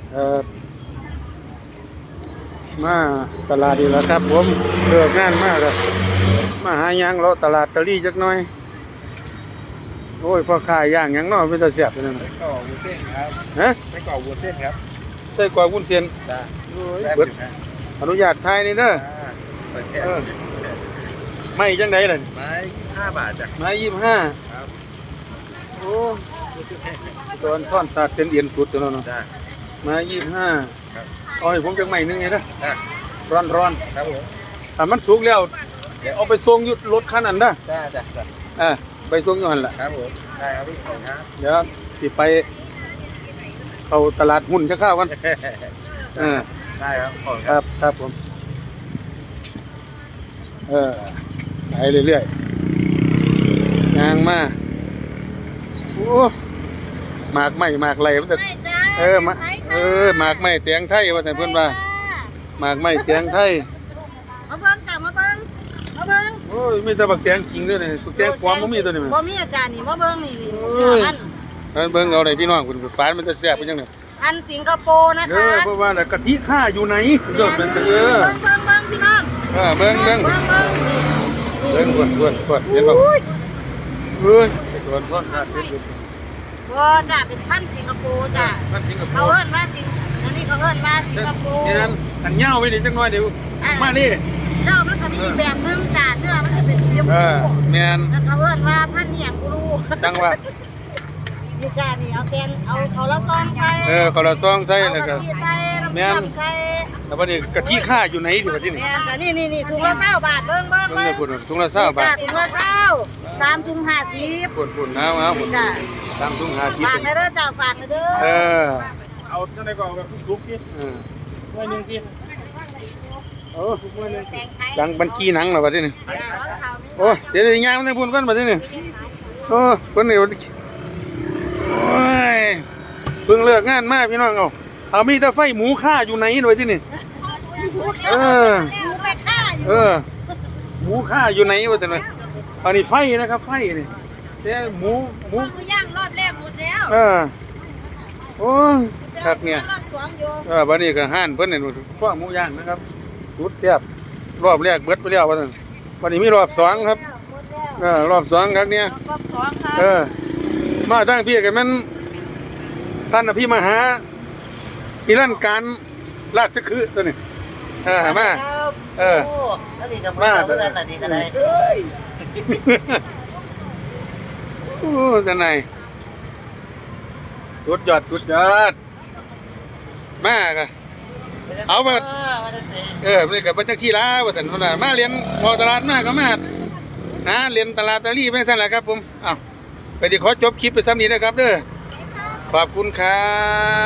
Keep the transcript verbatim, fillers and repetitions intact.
เอ่อมาตลาดดีแล้วครับผมเลิกงานมากเลยมาหายังเลาะตลาดตะลี่จักหน่อยโอ้ยพ่อขายย่างยังน้อยเป็นตาเสียบนั่นไส้กรอกวุ้นเส้นครับฮะไส้กรอกวุ้นเส้นครับใส่กว่าวุ้นเส้นจ้าโอ้ยแซ่บเบิดอยู่นะอนุญาตทายนี่เด้ออ่าเปิดแค่เออ ไม่จังไดล่ะไม้ห้าบาทจ้ะไม้ยี่สิบห้าครับโอ้ตอนท่อนสาดเส้นเอียนสุดตัวนั้นเนาะจ้าไม้ยี่สิบห้าครับเอาให้ผมจังใหม่นึงไงนะจ้าร้อนร้อนครับผมๆถ้ามันสุกแล้วเอาไปส่งอยุดรถคันนั้นนะจ้าจ้าจ้าเอ่าไปส่งอยู่หั่นล่ะครับผมได้ครับพี่ขอบคุณครับเดี๋ยวสิไปเข้าตลาดหุ้นจะเข้ากันเออได้ครับขอบคุณคครัรับบครับผมเออไปเรื่อยๆยางมาโอ้หมากไม้หมากไหลมันจะเออมาเออหมากไม้เตียงไทยว่าแต่เพื่อนว่าหมากไม้เตียงไทยมาเบิ่งจ้ะมาเบิ่งมาเบิ่งโอ้ยมีแต่บักเตียงจริงด้วยนี่บักเตียงความบ่มีตัวนี้มันบ่มีอาจารย์นี่มาเบิ่งนี่นี่โอ้ยอันเอาเบิ่งเอาได้พี่น้องคุณฟ้านมันจะแซ่บเป็นจังได๋อันสิงคโปร์นะเอคะอเพราะว่าน่ะกะทิข้าอยู่ไหนยอดเป็นเออเบิ่งเบิ่งเบิ่งพี่น้องเออเบิ่งเบิ่งเบิ่งเบิ่งเบิ่งกวนกวนกวนเห็นบ่เฮ้ยกวนกวนขาดเป็นอยู่บ่จ้ะเป็นพันธุ์สิงคโปร์จ้ะมันสิงคโปเขาร์เอิ้นว่าสิงอันนี้เขาเอิ้นว่าสิงคโปร์นี่นั่นอันเหย้าไว้นี่จังน้อยเดี๋ยวมานี่แล้วมันก็มีอีกแบบหนึงจ้ะเนื้อมันจะเป็นสีชมเอพูอแม่นแล้วเขาเอิ้นว่าพันธุ์เนียงกูรู้จังว่านี่จ้ะนี่เอาแกงเอาเขาละซองใส่เออคนละซองใส่แล้วก็เอากะทิใส่น้ำแม่นส้มใส่แล้วบัดนี้กะทิข้าอยู่ไหนดิบัดนี้แม่นจ้ะนี่นี่นี่ถุงละเก้าบาทเบิ่งเบิ่งเบิ่งเบิ่ได้งพุ่นถุงละ20บาทถุงละเก้าสามถุงห้าสิบพุ่นพุ่นเอาเอาพุ่นจ้ะตามถุงห้าสิบฝากให้เด้อจ้าฝากให้เด้อเออเอาเท่าไหร่ก่อนแบบทุกๆที่เออถ้วยหนึ่งที่โอ้จังบัญชีหนังเหรอบัดนี้โอ้เดี๋ยวสิย่างมันพุ่นก่อนบัดนี้โอ้เพิ่นนี่โอ้ยเพิ่งเลิกงานมาพี่น้องเอาเอามีแต่ไฟหมูค่าอยู่ไหนด้วยที่นี่เออหมูแม่ค่าอยู่เออหมูค่าอยู่ไหนวะแต่เนี่ยอันนี้ไฟนะครับไฟนี่แต่หมูหมูหมูย่างรอบแรกหมดแล้วเออโอ้ยคักเนี่ยรอบสองอยู่เออบัดนี้ก็ห้านเพิ่นนี่พวกหมูย่างนะครับสุดแซ่บรอบแรกเบิดไปแล้วว่าซั่นวันนี้มีรอบสองครับหมดแล้วเออรอบสองครับเนี่ยรอบสองครัเอบ อมาตั้งพี่กันมันท่านอภิมหาอีลั่นการราชคือตัวนี้เออมาเออแล้วนี่ก็มาเพื่อนอันนี้ก็ได้โอ้ท่านนายสุดยอดสุดยอดมากอะเอามาเออนี่กับปัจจักชีลาว่าแต่นคนละมาเรียนพอตลาดมากก็มานะเรียนตลาดตะลี่ไม่สั้นแหละครับผมอ้าวไปที่ขอจบคลิปไปซ้ำนี้นะครับเด้อขอบคุณครับ